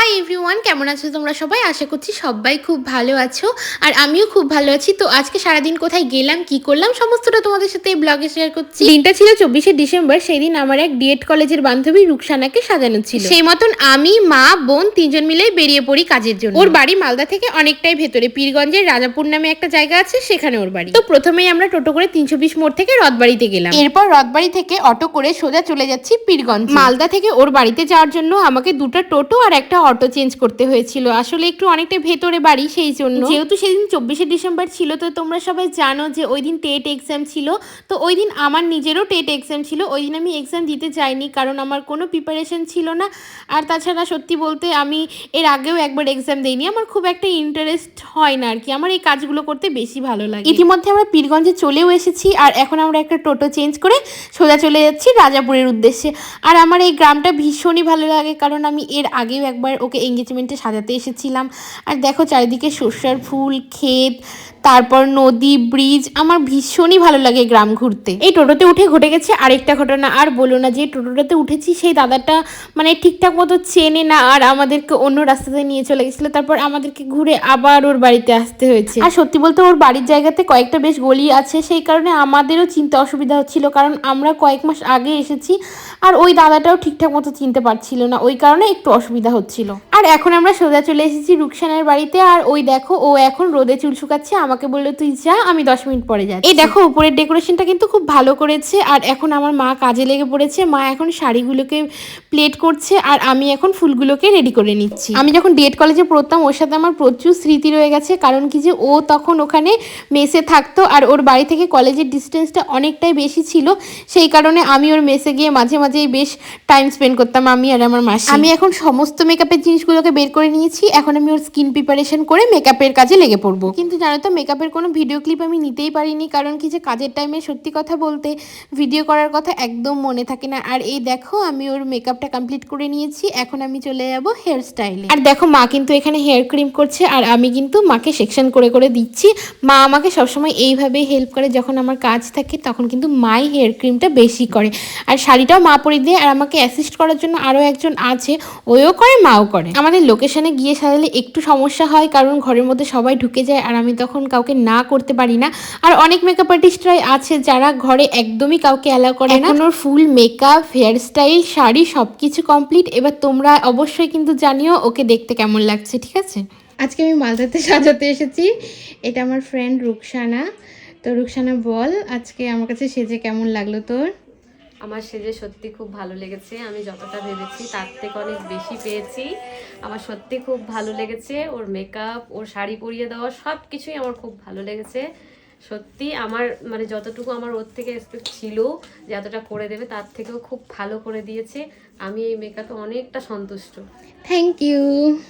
Hi everyone, কেমন আছো তোমরা সবাই? আশা করছি সবাই খুব ভালো আছো আর আমিও খুব ভালো আছি। তো আজকে সারাদিন কোথায় গেলাম, কি করলাম সমস্তটা তোমাদের সাথে এই ব্লগে শেয়ার করছি। দিনটা ছিল 24শে ডিসেম্বর। সেই দিন আমার এক ডিএড কলেজের বান্ধবী রুকসানাকে সাজানো ছিল। সেই মতন আমি, মা, বোন তিনজন মিলে বেরিয়ে পড়ি কাজের জন্য। ওর বাড়ি মালদা থেকে অনেকটাই ভেতরে, পীরগঞ্জের রাজাপুর নামে একটা জায়গা আছে, সেখানে ওর বাড়ি। তো প্রথমেই আমরা টোটো করে 320 মোড় থেকে রথবাড়িতে গেলাম। এরপর রথবাড়ি থেকে অটো করে সোজা চলে যাচ্ছি পীরগঞ্জ। মালদা থেকে ওর বাড়িতে যাওয়ার জন্য আমাকে দুটো টোটো আর একটা অটো চেঞ্জ করতে হয়েছিল। আসলে একটু অনেকটা ভেতরে বাড়ি, সেই জন্য। যেহেতু সেদিন 24শে ডিসেম্বর ছিল, তো তোমরা সবাই জানো যে ওই দিন টেট এক্সাম ছিল। তো ওই দিন আমার নিজেরও টেট এক্সাম ছিল। ওই দিন আমি এক্সাম দিতে যাইনি, কারণ আমার কোনো প্রিপারেশন ছিল না। আর তাছাড়া সত্যি বলতে আমি এর আগেও একবার এক্সাম দিইনি। আমার খুব একটা ইন্টারেস্ট হয় না আর কি, আমার এই কাজগুলো করতে বেশি ভালো লাগে। ইতিমধ্যে আমরা পীরগঞ্জে চলেও এসেছি আর এখন আমরা একটা টোটো চেঞ্জ করে সোজা চলে যাচ্ছি রাজাপুরের উদ্দেশ্যে। আর আমার এই গ্রামটা ভীষণই ভালো লাগে, কারণ আমি এর আগেও একবার ওকে এঙ্গেজমেন্টে সাজাতে এসেছিলাম। আর দেখো চারিদিকে সর্ষার ফুল, ক্ষেত, তারপর নদী, ব্রিজ। আমার ভীষণই ভালো লাগে গ্রাম ঘুরতে। এই টোটোতে উঠে ঘটে গেছে আরেকটা ঘটনা। আর বলো না, যে টোটোটাতে উঠেছি সেই দাদাটা মানে ঠিকঠাক মতো চেনে না আর আমাদেরকে অন্য রাস্তাতে নিয়ে চলে গেছিলো। তারপর আমাদেরকে ঘুরে আবার ওর বাড়িতে আসতে হয়েছে। আর সত্যি বলতে ওর বাড়ির জায়গাতে কয়েকটা বেশ গলি আছে, সেই কারণে আমাদেরও চিনতে অসুবিধা হচ্ছিল, কারণ আমরা কয়েক মাস আগে এসেছি আর ওই দাদাটাও ঠিকঠাক মতো চিনতে পারছিল না, ওই কারণে একটু অসুবিধা হচ্ছিল। আর এখন আমরা সোজা চলে এসেছি রুকসানার বাড়িতে। আর ওই দেখো ও এখন রোদে চুল শুকাচ্ছে, আমাকে বললো তুই যা, আমি 10 মিনিট পরে যাচ্ছি। এই দেখো উপরের ডেকোরেশনটা কিন্তু খুব ভালো করেছে। আর এখন আমার মা কাজে লেগে পড়েছে। মা এখন শাড়িগুলোকে প্লেট করছে আর আমি এখন ফুলগুলোকে রেডি করে নিচ্ছি। আমি যখন ডিএড কলেজে পড়তাম ওর সাথে আমার প্রচুর স্মৃতি রয়ে গেছে, কারণ কি যে ও তখন ওখানে মেসে থাকতো আর ওর বাড়ি থেকে কলেজের ডিস্টেন্সটা অনেকটাই বেশি ছিল। সেই কারণে আমি ওর মেসে গিয়ে মাঝে মাঝেই বেশ টাইম স্পেন্ড করতাম, আমি আর আমার মাসি। আমি এখন সমস্ত মেকআপের জিনিসগুলোকে বের করে নিয়েছি। এখন আমি ওর স্কিন প্রিপারেশন করে মেকআপের কাজে লেগে পড়বো। কিন্তু জানো তো, মেকআপের কোনো ভিডিও ক্লিপ আমি নিতেই পারিনি, কারণ কি যে কাজের টাইমে সত্যি কথা বলতে ভিডিও করার কথা একদম মনে থাকে না। আর এই দেখো আমি ওর মেকআপটা কমপ্লিট করে নিয়েছি। এখন আমি চলে যাবো হেয়ার স্টাইলে। আর দেখো মা কিন্তু এখানে হেয়ার ক্রিম করছে আর আমি কিন্তু মাকে সেকশন করে করে দিচ্ছি। মা আমাকে সবসময় এইভাবেই হেল্প করে, যখন আমার কাজ থাকে তখন কিন্তু মাই হেয়ার ক্রিমটা বেশি করে। আর শাড়িটাও মা পরিয়ে দেয়। আর আমাকে অ্যাসিস্ট করার জন্য আরও একজন আছে, ওও করে মাও করে। আমাদের লোকেশনে গিয়ে সাজালে একটু সমস্যা হয়, কারণ ঘরের মধ্যে সবাই ঢুকে যায় আর আমি তখন কাউকে না করতে পারি না। আর অনেক মেকআপ আর্টিস্টরাই আছে যারা ঘরে একদমই কাউকে অ্যালাউ করে না। এখন ওর full makeup, hair style, sari সব কিছু কমপ্লিট। এবার তোমরা অবশ্যই কিন্তু জানিও ওকে দেখতে কেমন লাগছে, ঠিক আছে? আজকে আমি মালদাতে সাজাতে এসেছি। এটা আমার ফ্রেন্ড রুকসানা। তো রুকসানা বল, আজকে আমার কাছে সেজে কেমন লাগলো তোর? আমার সেজে সত্যি খুব ভালো লেগেছে। আমি যতটা ভেবেছি তার থেকে অনেক বেশি পেয়েছি। আমার সত্যি খুব ভালো লেগেছে। ওর মেকআপ, ওর শাড়ি পরিয়ে দেওয়া সব কিছুই আমার খুব ভালো লেগেছে। সত্যি আমার মানে যতটুকু আমার ওর থেকে এক্সপেক্ট ছিল যে এতটা করে দেবে, তার থেকেও খুব ভালো করে দিয়েছে। আমি এই মেকআপে অনেকটা সন্তুষ্ট। Thank you.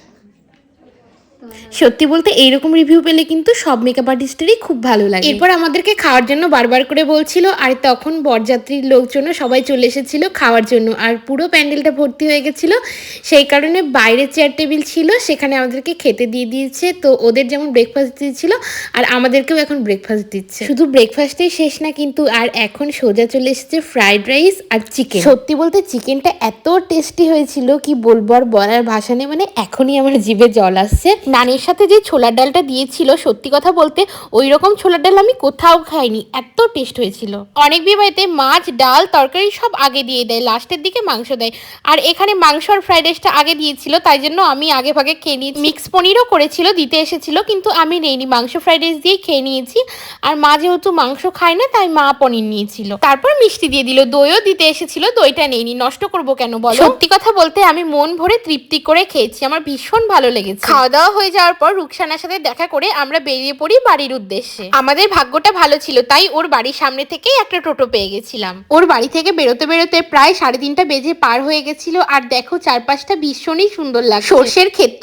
সত্যি বলতে এইরকম রিভিউ পেলে কিন্তু সব মেকআপ আর্টিস্টেরই খুব ভালো লাগে। এরপর আমাদেরকে খাওয়ার জন্য বারবার করে বলছিল, আর তখন বরযাত্রীর লোকজনও সবাই চলে এসেছিল খাওয়ার জন্য আর পুরো প্যান্ডেলটা ভর্তি হয়ে গেছিলো। সেই কারণে বাইরে চেয়ার টেবিল ছিল, সেখানে আমাদেরকে খেতে দিয়ে দিয়েছে। তো ওদের যেমন ব্রেকফাস্ট দিয়েছিল আর আমাদেরকেও এখন ব্রেকফাস্ট দিচ্ছে। শুধু ব্রেকফাস্টেই শেষ না কিন্তু, আর এখন সোজা চলে এসেছে ফ্রাইড রাইস আর চিকেন। সত্যি বলতে চিকেনটা এত টেস্টি হয়েছিল কি বলবো, আর বলার ভাষা নেই। মানে এখনই আমার জিভে জল আসছে। নানের সাথে যে ছোলার ডালটা দিয়েছিল, সত্যি কথা বলতে ওই রকম ছোলার ডাল আমি কোথাও খাইনি, এত টেস্ট হয়েছিল। অনেক বিয়ে বাড়িতে মাছ, ডাল, তরকারি সব আগে দিয়ে দেয়, লাস্টের দিকে মাংস দেয়। আর এখানে মাংস আর ফ্রাইড রাইসটা আগে দিয়েছিল, তাই জন্য আমি আগে ভাগে খেয়ে নিয়েছি। মিক্স পনিরও করেছিল, দিতে এসেছিল, কিন্তু আমি নেইনি, মাংস ফ্রাইড রাইস দিয়েই খেয়ে নিয়েছি। আর মা যেহেতু মাংস খায় না, তাই মা পনির নিয়েছিল। তারপর মিষ্টি দিয়ে দিল, দইও দিতে এসেছিল, দইটা নেইনি, নষ্ট করবো কেন বলো। সত্যি কথা বলতে আমি মন ভরে তৃপ্তি করে খেয়েছি, আমার ভীষণ ভালো লেগেছে। খাওয়া দাওয়া হয়ে যাওয়ার পর রুকসানার সাথে দেখা করে আমরা বেরিয়ে পড়ি বাড়ির উদ্দেশ্যে। আমাদের ভাগ্যটা ভালো ছিল, তাই ওর বাড়ির সামনে থেকেই একটা টোটো পেয়ে গেছিলাম। ওর বাড়ি থেকে বেরোতে বেরোতে প্রায় 3:30 বেজে পার হয়ে গেছিল। আর দেখো চারপাশটা ভীষণই সুন্দর লাগে। সর্ষের ক্ষেতটা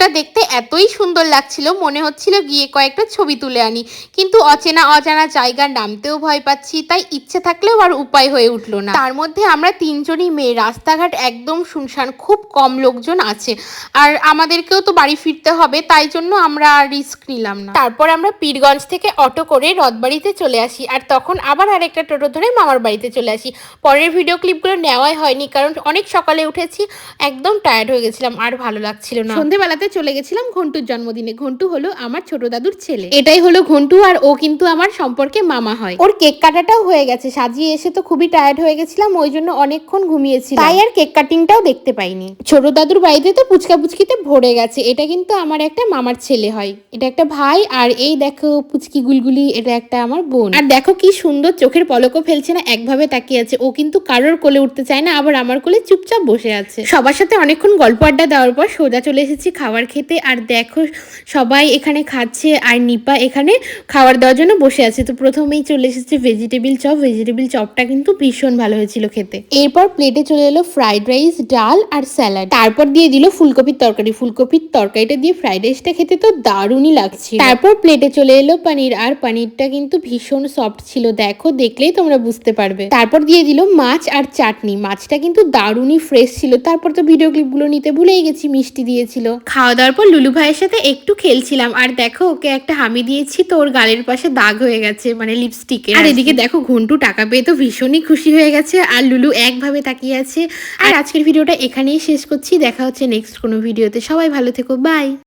ভিউটা দেখতে এতই সুন্দর লাগছিল, মনে হচ্ছিল গিয়ে কয়েকটা ছবি তুলে আনি, কিন্তু অচেনা অজানা জায়গার নামতেও ভয় পাচ্ছি, তাই ইচ্ছে থাকলেও আর উপায় হয়ে উঠলো না। তার মধ্যে আমরা তিনজনই মেয়ে, রাস্তাঘাট একদম শুনশান, খুব কম লোকজন আছে, আর আমাদেরকেও তো বাড়ি ফিরতে হবে, তাই জন্য আমরা আর রিস্ক নিলাম না। তারপর আমরা পীরগঞ্জ থেকে অটো করে রথবাড়িতে চলে আসি, আর তখন আবার আরেকটা টোটো ধরে মামার বাড়িতে চলে আসি। পরের ভিডিও ক্লিপগুলো নেওয়াই হয়নি, কারণ অনেক সকালে উঠেছি, একদম টায়ার্ড হয়ে গেছিলাম, আর ভালো লাগছিল না। সন্ধেবেলাতে চলে গেছিলাম ঘন্টুর জন্মদিনে। ঘন্টু হলো আমার ছোট দাদুর ছেলে, এটাই হলো ঘন্টু, আর ও কিন্তু আমার সম্পর্কে মামা হয়। ওর কেক কাটাটাও হয়ে গেছে, সাজিয়ে এসে তো খুবই টায়ার্ড হয়ে গেছিলাম, ওই জন্য অনেকক্ষণ ঘুমিয়েছিলাম, তাই আর কেক কাটিংটাও দেখতে পাইনি। ছোট দাদুর বাড়িতে তো পুচকা পুচকিতে ভরে গেছে। এটা কিন্তু আমার একটা মামার ছেলে হয়, এটা একটা ভাই, আর এই দেখো পুচকি গুলগুলি, এটা একটা আমার বোন। আর দেখো কি সুন্দর, চোখের পলকও ফেলছে না, একভাবে তাকিয়ে আছে। ও কিন্তু কারোর কোলে উঠতে চায় না, আবার আমার কোলে চুপচাপ বসে আছে। সবার সাথে অনেকক্ষণ গল্প আড্ডা দেওয়ার পর সোজা চলে এসেছি খাবার খেতে। আর দেখো সবাই এখানে খাচ্ছে, আর নিপা এখানে খাবার দেওয়ার জন্য বসে আছে। তো প্রথমেই চলে এসেছে ভেজিটেবিল চপ। ভেজিটেবিল চপটা কিন্তু ভীষণ ভালো হয়েছিল খেতে। এরপর প্লেটে চলে এলো ফ্রাইড রাইস, ডাল আর স্যালাড। তারপর দিয়ে দিল ফুলকপির তরকারি। ফুলকপির তরকারিটা দিয়ে ফ্রাইড রাইসটা খেতে তো দারুণই লাগছিল। তারপর প্লেটে চলে এলো পনির, আর পনিরটা কিন্তু ভীষণ সফট ছিল, দেখো দেখলেই তোমরা বুঝতে পারবে। তারপর দিয়ে দিল মাছ আর চাটনি। মাছটা কিন্তু দারুণই ফ্রেশ ছিল। তারপর তো ভিডিও ক্লিপগুলো নিতে ভুলেই গেছি, মিষ্টি দিয়েছিল। খাওয়া দাওয়ার পর লুলু ভাইয়ের সাথে একটু খেলছিলাম, আর দেখো ওকে একটা হামি দিয়েছি, তো ওর গালের পাশে দাগ হয়ে গেছে, মানে লিপস্টিকে। আর এদিকে দেখো ঘন্টু টাকা পেয়ে তো ভীষণই খুশি হয়ে গেছে, আর লুলু একভাবে তাকিয়ে আছে। আর আজকের ভিডিওটা এখানেই শেষ করছি, দেখা হচ্ছে নেক্সট কোনো ভিডিওতে। সবাই ভালো থেকো, বাই।